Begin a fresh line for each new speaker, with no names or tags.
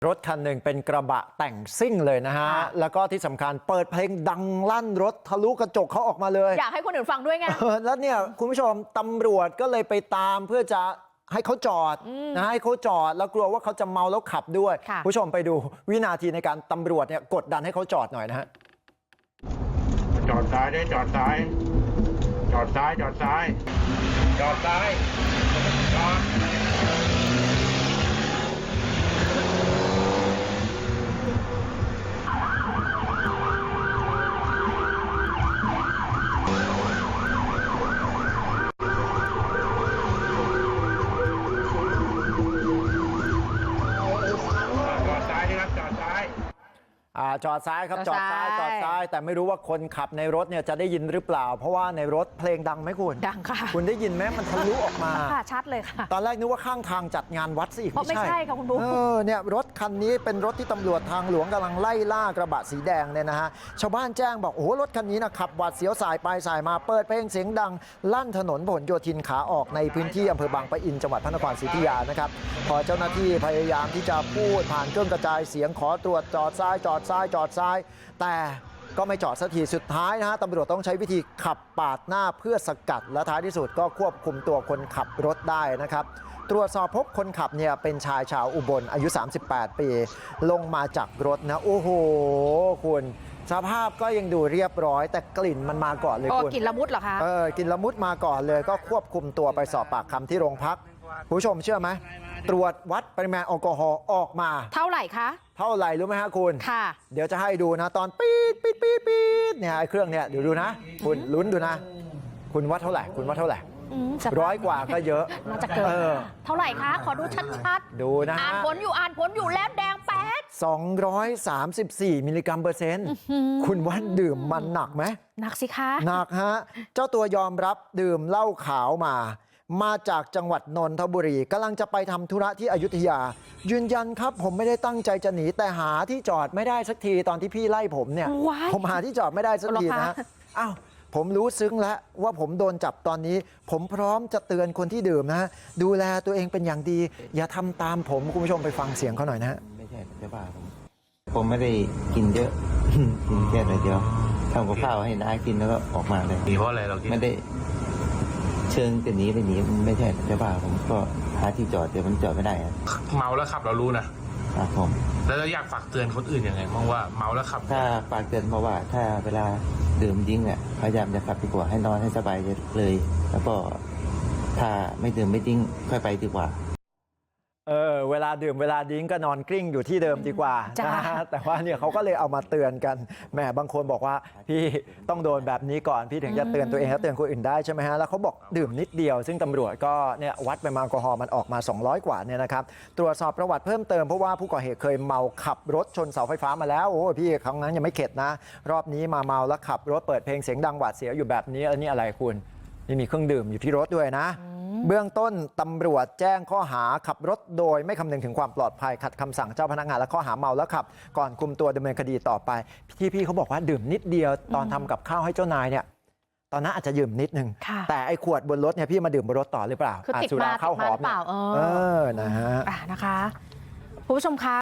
รถคันหนึ่งเป็นกระบะแต่งซิ่งเลยนะฮะแล้วก็ที่สำคัญเปิดเพลงดังลั่นรถทะลุกระจกเขาออกมาเลย
อยากให้คนอื่นฟังด้วยไง
แล้วเนี่ยคุณผู้ชมตำรวจก็เลยไปตามเพื่อจะให้เขาจอดนะให้เขาจอดแล้วกลัวว่าเขาจะเมาแล้วขับด้วยผู้ชมไปดูวินาทีในการตำรวจเนี่ยกดดันให้เขาจอดหน่อยนะฮะ
จอดซ้ายได้จอดซ้ายจอดซ้ายจอดซ้ายจอดซ้ายจอด
จอดซ้ายครับจอดซ้ายจอดซ้ายแต่ไม่รู้ว่าคนขับในรถเนี่ยจะได้ยินหรือเปล่าเพราะว่าในรถเพลงดังไหมคุณ
ดังค่ะ
คุณได้ยินไหมมันทะลุออกมา
ค่ะชัดเลยค่ะ
ตอนแรกนึกว่าข้างทางจัดงานวัดซะอีก
ไม่ใช่ค่ะคุณบุ๊ค
เนี่ยรถคันนี้เป็นรถที่ตำรวจทางหลวงกำลังไล่ล่ากระบะสีแดงเนี่ยนะฮะชาวบ้านแจ้งบอกโอ้โหรถคันนี้นะขับหวาดเสียวสายไปสายมาเปิดเพลงเสียงดังลั่นถนนผลโยธินขาออกในพื้นที่อำเภอบางปะอินจังหวัดพระนครศรีอยุธยานะครับพอเจ้าหน้าที่พยายามที่จะพูดผ่านเครื่องกระจายเสียงขอตรวจจอดซ้ายจอดซ้ายจอดซ้ายแต่ก็ไม่จอดสักทีสุดท้ายนะฮะตำรวจต้องใช้วิธีขับปาดหน้าเพื่อสกัดและท้ายที่สุดก็ควบคุมตัวคนขับรถได้นะครับตรวจสอบพบคนขับเนี่ยเป็นชายชาวอุบลอายุ38ปีลงมาจากรถนะโอ้โหคุณสภาพก็ยังดูเรียบร้อยแต่กลิ่นมันมาก่อนเลยคุณ
กลิ่นละมุดเหรอคะ
กลิ่นละมุดมาก่อนเลยก็ควบคุมตัวไปสอบปากคำที่โรงพักผู้ชมเชื่อไหมตรวจวัดปริมาณแอลกอฮอล์ออกมา
เท่าไหร่คะ
เท่าไหร่รู้ไหมฮะคุณ
ค่ะ
เดี๋ยวจะให้ดูนะตอนปี๊ดปี๊ดปี๊ดปี๊ดเนี่ยไอ้เครื่องเนี่ยเดี๋ยวดูนะคุณลุ้นดูนะคุณวัดเท่าไหร่คุณวัดเท่าไหร่100 กว่าก็เยอะ
น่าจะเกินเท่าไหร่คะขอดูชัด
ๆดูนะ
อ่านผลอยู่แล้วแดงแป๊ด
234มิลลิกรัมเปอร์เซ็นต์คุณว่าดื่มมันหนักไหม
หนักสิคะ
หนักฮะเจ้าตัวยอมรับดื่มเหล้าขาวมาจากจังหวัดนนทบุรีกำลังจะไปทำธุระที่อยุธยายืนยันครับผมไม่ได้ตั้งใจจะหนีแต่หาที่จอดไม่ได้สักทีตอนที่พี่ไล่ผมเนี่ยผมหาที่จอดไม่ได้สักทีนะอ้าวผมรู้ซึ้งแล้วว่าผมโดนจับตอนนี้ผมพร้อมจะเตือนคนที่ดื่มนะดูแลตัวเองเป็นอย่างดีอย่าทำตามผมคุณผู้ชมไปฟังเสียงเขาหน่อยนะฮะ
ไม่ใช่ไม่บ้าผมไม่ได้กินเยอะกินแค่หน่อยเดียวทำกับข้าวให้น้ากินแล้วก็ออกมาเลย
หนีเพราะอะไรเราคิด
ไม่ได้เชิงจะหนีไปหนีไม่ใช่ไม่บ้าผมก็หาที่จอดเดี๋ยวมันจอดไม่ได้
เมาแล้วขับเรารู้นะครับ
ผม
แล้วเราอยากฝากเตือนคนอื่นยังไงบ้างว่าเมาแล้วขับ
ถ้าฝากเตือนเพราะว่าถ้าเวลาดื่มดิ้งเนี่ยพยายามจะขับดีกว่าให้นอนให้สบายเลยแล้วก็ถ้าไม่ดื่มไม่ดิ้งค่อยไปดีกว่า
เวลาดื่มเวลาดิ้งก็นอนกลิ้งอยู่ที่เดิมดีกว่านะแต่ว่าเนี่ยเขาก็เลยเอามาเตือนกันแหมบางคนบอกว่าพี่ต้องโดนแบบนี้ก่อนพี่ถึงจะเตือนตัวเองและเตือนคนอื่นได้ใช่ไหมฮะแล้วเขาบอกดื่มนิดเดียวซึ่งตำรวจก็เนี่ยวัดปริมาณแอลกอฮอล์มันออกมา200 กว่าเนี่ยนะครับตรวจสอบประวัติเพิ่มเติมเพราะว่าผู้ก่อเหตุเคยเมาขับรถชนเสาไฟฟ้ามาแล้วโอ้พี่ครั้งนั้นยังไม่เข็ดนะรอบนี้มาเมาแล้วขับรถเปิดเพลงเสียงดังหวาดเสียวอยู่แบบนี้อันนี้อะไรคุณนี่มีเครื่องดื่มอยู่ที่รถด้วยนะเบื้องต้นตำรวจแจ้งข้อหาขับรถโดยไม่คำนึงถึงความปลอดภัยขัดคำสั่งเจ้าพนักงานและข้อหาเมาแล้วขับก่อนคุมตัวดำเนินคดีต่อไปพี่เขาบอกว่าดื่มนิดเดียวตอนทำกับข้าวให้เจ้านายเนี่ยตอนนั้นอาจจะดื่มนิดนึงแต่ไอ้ขวดบนรถเนี่ยพี่มาดื่มบนรถต่อหรือเปล่า
คือติดมา
ข้าวหอม
เปล่า
นะฮะ
นะคะคุณผู้ชมคะ